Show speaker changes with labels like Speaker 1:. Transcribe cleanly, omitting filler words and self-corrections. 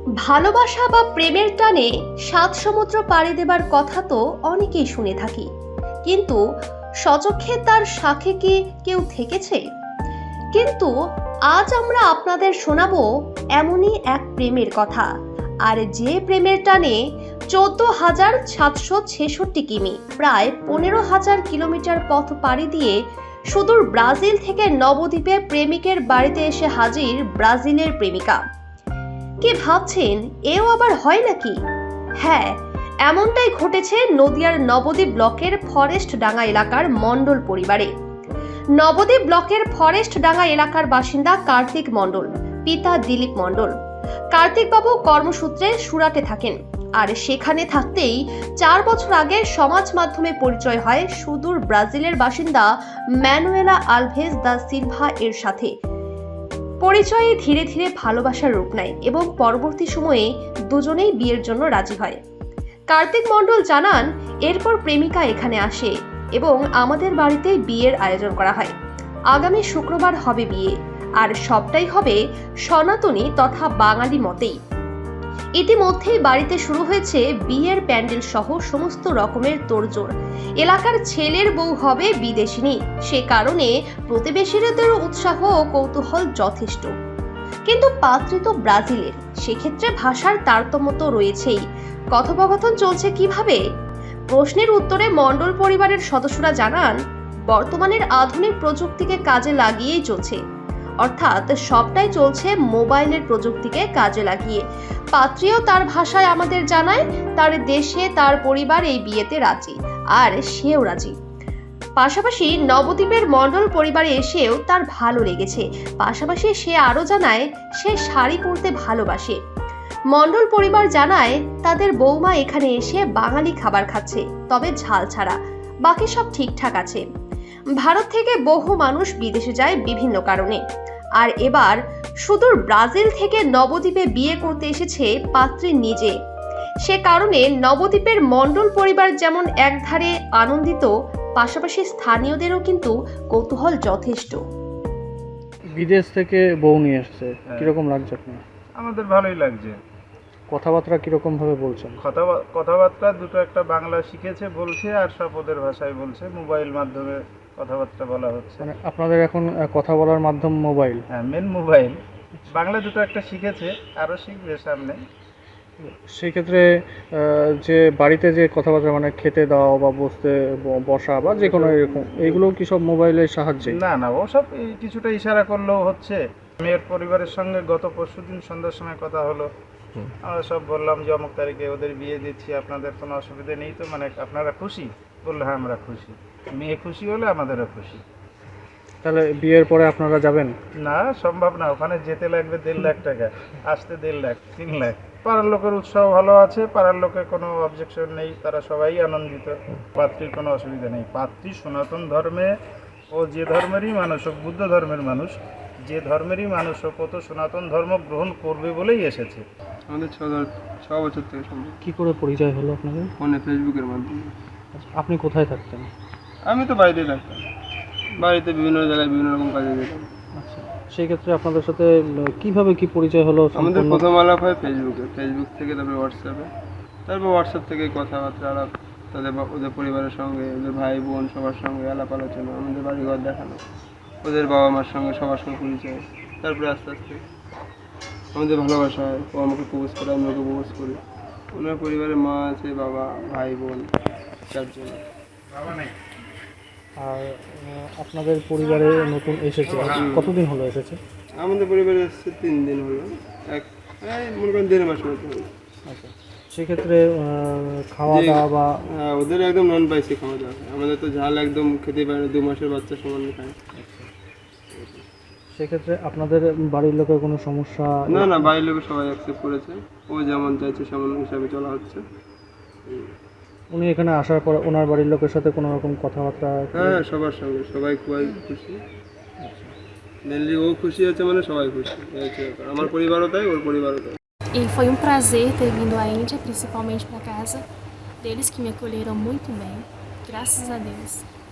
Speaker 1: ভালোবাসা বা প্রেমের টানে সাত সমুদ্র পাড়ি দেবার কথা তো অনেকেই শুনে থাকি, কিন্তু স্বচক্ষে তার সাথে কি কেউ থেকেছে? কিন্তু আজ আমরা আপনাদের শোনাবো এমনই এক প্রেমের কথা, আর যে প্রেমের টানে 14,766 কিমি, প্রায় 15,000 কিলোমিটার পথ পাড়ি দিয়ে সুদূর ব্রাজিল থেকে নবদ্বীপে প্রেমিকের বাড়িতে এসে হাজির ব্রাজিলের প্রেমিকা। কি ভাবছেন, এও আবার হয় নাকি? হ্যাঁ, এমনটাই ঘটেছে নদিয়ার নবদ্বীপ ব্লকের ফরেস্ট ডাঙ্গা এলাকার মণ্ডল পরিবারে। নবদ্বীপ ব্লকের ফরেস্ট ডাঙ্গা এলাকার বাসিন্দা কার্তিক মণ্ডল, পিতা দিলীপ মণ্ডল। কার্তিক বাবু কর্মসূত্রে সুরাটে থাকেন, আর সেখানে থাকতেই 4 বছর আগে সমাজ মাধ্যমে পরিচয় হয় সুদূর ব্রাজিলের বাসিন্দা ম্যানুয়েলা আলভেজ দা সিলভা এর সাথে। পরিচয়ে ধীরে ধীরে ভালোবাসার রূপ নেয় এবং পরবর্তী সময়ে দুজনেই বিয়ের জন্য রাজি হয়। কার্তিক মণ্ডল জানান, এরপর প্রেমিকা এখানে আসে এবং আমাদের বাড়িতে বিয়ের আয়োজন করা হয়। আগামী শুক্রবার হবে বিয়ে, আর সবটাই হবে সনাতনী তথা বাঙালি মতেই। ইতিমধ্যেই বাড়িতে শুরু হয়েছে বিয়ের প্যান্ডেল সহ সমস্ত রকমের তোড়জোড়। এলাকার ছেলের বউ হবে বিদেশিনী, সে কারণে প্রতিবেশীদেরও উৎসাহ ও কৌতূহল যথেষ্ট। কিন্তু পাত্রী তো ব্রাজিলের, সেক্ষেত্রে ভাষার তারতম্য তো রয়েছেই। কথোপকথন চলছে কিভাবে? প্রশ্নের উত্তরে মণ্ডল পরিবারের সদস্যরা জানান, বর্তমানের আধুনিক প্রযুক্তিকে কাজে লাগিয়েই চলছে, অর্থাৎ সবটাই চলছে মোবাইলের প্রযুক্তিকে কাজে লাগিয়ে। পাত্রীও তার ভাষায় আমাদের জানায় তার দেশে তার পরিবার এই বিয়েতে রাজি, আর সেও রাজি। পাশাপাশি নবদ্বীপের মণ্ডল পরিবারে এসেও তার ভালো লেগেছে। পাশাপাশি সে আরো জানায় সে শাড়ি পরতে ভালোবাসে। মণ্ডল পরিবার জানায় তাদের বৌমা এখানে এসে বাঙালি খাবার খাচ্ছে, তবে ঝাল ছাড়া, বাকি সব ঠিকঠাক আছে। ভারত থেকে বহু মানুষ বিদেশে যায় বিভিন্ন কারণে, আর এবার সুদূর ব্রাজিল থেকে নবদ্বীপে বিয়ে করতে এসেছে পাত্রী নিজে। সে কারণে নবদ্বীপের মণ্ডল পরিবার যেমন একধারে আনন্দিত, পাশাপাশি স্থানীয়দেরও কিন্তু কৌতূহল যথেষ্ট।
Speaker 2: বিদেশ থেকে বউ নিয়ে এসেছে, কিরকম লাগছে আপনার?
Speaker 3: আমাদের ভালোই লাগছে।
Speaker 2: কথাবার্তা কিরকম ভাবে বলছেন?
Speaker 3: কথাবার্তা দুটো একটা বাংলা শিখেছে বলছে, আর সব ওদের ভাষায় বলছে। মোবাইল মাধ্যমে কথাবার্তা বলা হচ্ছে।
Speaker 2: মানে আপনাদের এখন কথা বলার মাধ্যম মোবাইল?
Speaker 3: হ্যাঁ, মেন মোবাইল। বাংলা দুটো একটা শিখেছে, আরও শিখবে সামনে।
Speaker 2: সেই ক্ষেত্রে যে বাড়িতে যে কথাবার্তা, মানে খেতে দাও বা বসা বা যে কোনো এরকম, এইগুলো কি সব মোবাইলের সাহায্যে?
Speaker 3: না, ওসব কিছুটা ইশারা করলেও হচ্ছে। মেয়ের পরিবারের সঙ্গে গত পরশুদিন সন্ধ্যার সময় কথা হলো। আমরা সব বললাম যে অমুক তারিখে ওদের বিয়ে দিচ্ছি, আপনাদের কোনো অসুবিধা নেই তো? মানে আপনারা খুশি? বললো হ্যাঁ, আমরা খুশি। মেয়ে খুশি হলে আমাদেরও খুশি।
Speaker 2: তাহলে বিয়ের পরে আপনারা যাবেন?
Speaker 3: না, সম্ভব না। ওখানে যেতে লাগবে 1.5 লাখ টাকা, আসতে 1.5 লাখ, 3 লাখ। পাড়ার লোকের উৎসাহ ভালো আছে, পাড়ার লোকের কোনো অবজেকশন নেই, তারা সবাই আনন্দিত। পাত্রীর কোনো অসুবিধা নেই। পাত্রী সনাতন ধর্মে, ও যে ধর্মেরই মানুষ হোক, বুদ্ধ ধর্মের মানুষ, যে ধর্মেরই মানুষ হোক, ও তো সনাতন ধর্ম গ্রহণ করবে বলেই এসেছে।
Speaker 4: আমাদের 6 বছর থেকে সম্ভব।
Speaker 2: কি করে পরিচয় হলো আপনাদের?
Speaker 4: ফোনে, ফেসবুকের মাধ্যমে।
Speaker 2: আপনি কোথায় থাকতেন?
Speaker 4: আমি তো বাড়িতেই থাকতাম, বাড়িতে বিভিন্ন জায়গায় বিভিন্ন রকম কাজে যেতাম।
Speaker 2: আচ্ছা, সেই ক্ষেত্রে আপনাদের সাথে কিভাবে কি পরিচয় হলো?
Speaker 4: আমাদের প্রথম আলাপ হয় ফেসবুকে, ফেসবুক থেকে তারপরে হোয়াটসঅ্যাপে, তারপর হোয়াটসঅ্যাপ থেকে কথাবার্তা আলাপ, ওদের পরিবারের সঙ্গে, ওদের ভাই বোন সবার সঙ্গে আলাপ আলোচনা, আমাদের বাড়িঘর দেখানো, ওদের বাবা মার সঙ্গে সবার সঙ্গে পরিচয়। তারপরে আস্তে আস্তে আমাদের ভালোবাসা হয়। ও আমাকে প্রপোজ করে, আমি ওকে প্রপোজ করি। ওনার পরিবারে মা আছে, বাবা, ভাই বোন, 4 জন।
Speaker 2: আর আপনাদের পরিবারে নতুন এসেছে, কতদিন হলো এসেছে?
Speaker 4: আমাদের পরিবারে এসেছে 3 দিন হলো, মনে করেন 1.5 মাস মতো হলো।
Speaker 2: আচ্ছা, সেক্ষেত্রে খাওয়া দাওয়া বা?
Speaker 4: হ্যাঁ, ওদের একদম নন স্পাইসি খাওয়া দাওয়া। আমাদের তো ঝাল একদম খেতে পারে না, 2 মাসের বাচ্চা সমান খায়।
Speaker 2: সেক্ষেত্রে আপনাদের বাড়ির লোকের কোনো সমস্যা?
Speaker 4: না, বাড়ির লোক সবাই অ্যাকসেপ্ট করেছে। ও যেমন চাইছে সেমন হিসাবে চলা হচ্ছে।
Speaker 2: উনি এখানে আসার পর ওনার বাড়ির লোকের সাথে কোনো রকম কথাবার্তা?
Speaker 4: হ্যাঁ, সবার সঙ্গে, সবাই খুবই খুশি। মেনলি ও খুশি আছে মানে সবাই খুশি। আমার পরিবারও তাই, ওর পরিবারও তাই।
Speaker 5: E foi um prazer ter vindo à Índia, principalmente para casa deles que me acolheram muito bem, graças a Deus.